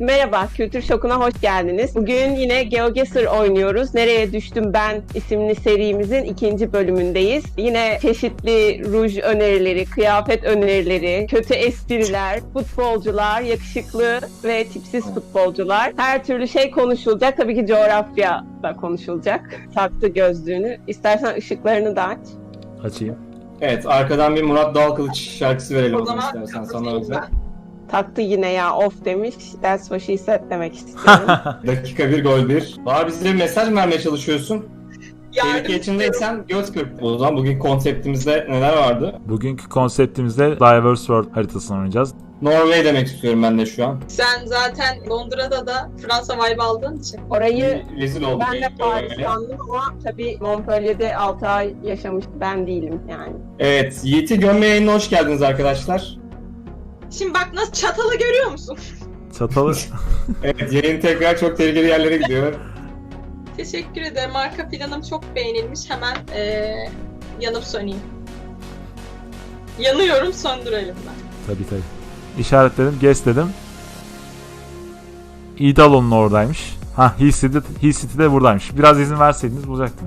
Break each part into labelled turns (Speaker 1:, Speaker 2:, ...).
Speaker 1: Merhaba, Kültür Şoku'na hoş geldiniz. Bugün yine GeoGuessr oynuyoruz. Nereye Düştüm Ben isimli serimizin 2. bölümündeyiz. Yine çeşitli ruj önerileri, kıyafet önerileri, kötü espriler, futbolcular, yakışıklı ve tipsiz futbolcular. Her türlü şey konuşulacak. Tabii ki coğrafya da konuşulacak. Taktı gözlüğünü. İstersen ışıklarını da aç.
Speaker 2: Açayım.
Speaker 3: Evet, arkadan bir Murat Dalkılıç şarkısı verelim o zaman istersen sana özel.
Speaker 1: Taktı yine ya off demiş. That's what she said demek istiyorum.
Speaker 3: Dakika 1 gol 1. Daha bize bir mesaj mı vermeye çalışıyorsun?
Speaker 4: Yardım
Speaker 3: Tehlike içindeysen göz kırp. O zaman bugün konseptimizde neler vardı?
Speaker 2: Bugünkü konseptimizde Diverse World haritasını oynayacağız.
Speaker 3: Norveç demek istiyorum ben de şu an.
Speaker 4: Sen zaten Londra'da da Fransa vibe aldığın için.
Speaker 1: Orayı
Speaker 3: Rezil olduk.
Speaker 1: ben de Paris sandım ama tabii Montpellier'de 6 ay yaşamış ben değilim yani.
Speaker 3: Evet, Yiğit'i gömme yayınına hoş geldiniz arkadaşlar.
Speaker 4: Şimdi bak nasıl çatalı görüyor musun?
Speaker 2: Çatalı.
Speaker 3: Evet, yayın tekrar çok tehlikeli yerlere gidiyor.
Speaker 4: Teşekkür ederim. Arka planım çok beğenilmiş. Hemen yanıp söneyim. Yanıyorum, söndürelim ben.
Speaker 2: Tabii. İşaretledim, guess dedim. İdalon'un oradaymış. Hill City de buradaymış. Biraz izin verseydiniz bulacaktım.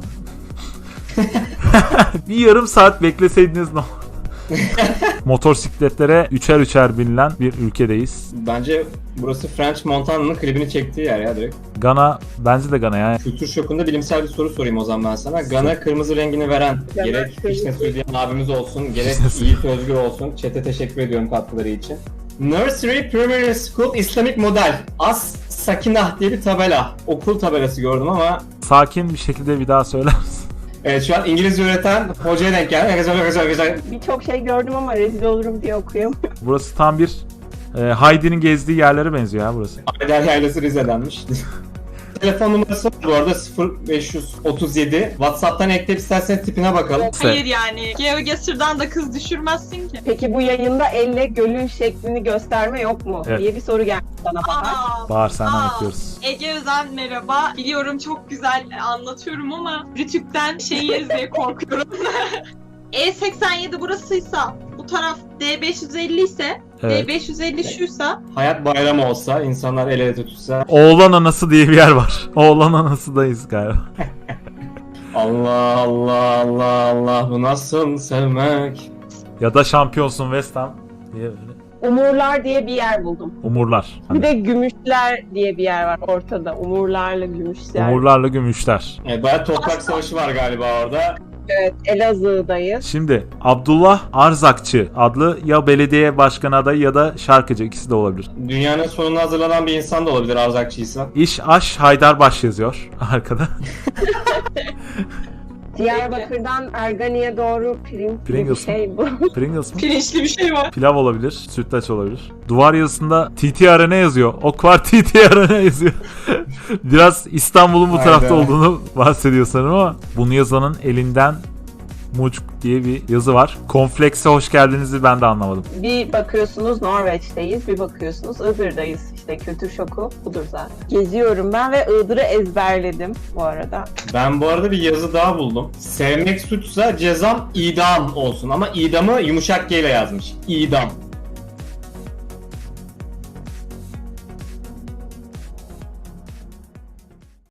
Speaker 2: Bir yarım saat bekleseydiniz ne olur? Motosikletlere üçer binilen bir ülkedeyiz.
Speaker 3: Bence burası French Montana'nın klibini çektiği yer ya direkt.
Speaker 2: Gana, bence de Gana yani.
Speaker 3: Kültür şokunda bilimsel bir soru sorayım o zaman ben sana. Gana kırmızı rengini veren,
Speaker 1: Gana
Speaker 3: gerek
Speaker 1: kırmızı.
Speaker 3: Fişne Söyleyen abimiz olsun, gerek
Speaker 2: Fişne
Speaker 3: Yiğit Özgür olsun. Chat'e teşekkür ediyorum katkıları için. Nursery Primary School İslamik Model. As Sakinah diye bir tabela. Okul tabelası gördüm ama
Speaker 2: Sakin bir şekilde bir daha söyler misin?
Speaker 3: evet şu an İngilizce öğreten hocaya denk geldi. Güzel.
Speaker 1: Birçok şey gördüm ama rezil olurum diye okuyamıyorum.
Speaker 2: Burası tam bir Heidi'nin gezdiği yerlere benziyor ya burası.
Speaker 3: Ayder Yaylası Rize'denmiş. Telefon numarası var bu arada 0537. WhatsApp'tan ekleyip isterseniz tipine bakalım.
Speaker 4: Hayır yani. GeoGuessr'dan da kız düşürmezsin ki.
Speaker 1: Peki bu yayında elle gölün şeklini gösterme yok mu?
Speaker 2: Evet.
Speaker 1: Diye bir soru geldi sana Bahar.
Speaker 2: Bahar senden bekliyoruz.
Speaker 4: Ege Özen merhaba. Biliyorum çok güzel anlatıyorum ama Rütük'ten şey yeriz diye korkuyorum. E87 burasıysa, bu taraf D550 ise,
Speaker 2: Evet.
Speaker 4: D550 şuysa,
Speaker 3: Hayat bayramı olsa, insanlar el ele tutuşsa.
Speaker 2: Oğlan Anası diye bir yer var. Oğlan Anası'dayız galiba.
Speaker 3: Allah bu nasıl sevmek?
Speaker 2: Ya da Şampiyonsun West Ham diye böyle.
Speaker 1: Umurlar diye bir yer buldum.
Speaker 2: Umurlar.
Speaker 1: Bir de Gümüşler diye bir yer var ortada. Umurlarla Gümüşler.
Speaker 2: Umurlarla Gümüşler.
Speaker 3: Evet, bayağı toprak savaşı var galiba orada.
Speaker 1: Evet, Elazığ'dayız.
Speaker 2: Şimdi Abdullah Arzakçı adlı ya belediye başkanı adayı ya da şarkıcı, ikisi de olabilir.
Speaker 3: Dünyanın sonuna hazırlanan bir insan da olabilir Arzakçıysa.
Speaker 2: İş Aş Haydarbaş yazıyor arkada.
Speaker 1: Diyarbakır'dan Ergani'ye doğru
Speaker 2: Pringles
Speaker 1: bir şey bu.
Speaker 2: Pringles mı?
Speaker 4: pirinçli bir şey var.
Speaker 2: Pilav olabilir, sütlaç olabilir. Duvar yazısında TTRN yazıyor. Ok var TTRN yazıyor. Biraz İstanbul'un bu tarafta
Speaker 3: Hayda.
Speaker 2: olduğunu bahsediyor sanırım ama bunu yazanın elinden Mucuk diye bir yazı var. Komplekse hoş geldinizi ben de anlamadım.
Speaker 1: Bir bakıyorsunuz Norveç'teyiz, bir bakıyorsunuz Iğdır'dayız. İşte kültür şoku budur zaten. Geziyorum ben ve Iğdır'ı ezberledim bu arada.
Speaker 3: Ben bu arada bir yazı daha buldum. Sevmek suçsa cezam idam olsun ama idamı yumuşak G ile yazmış. İdam.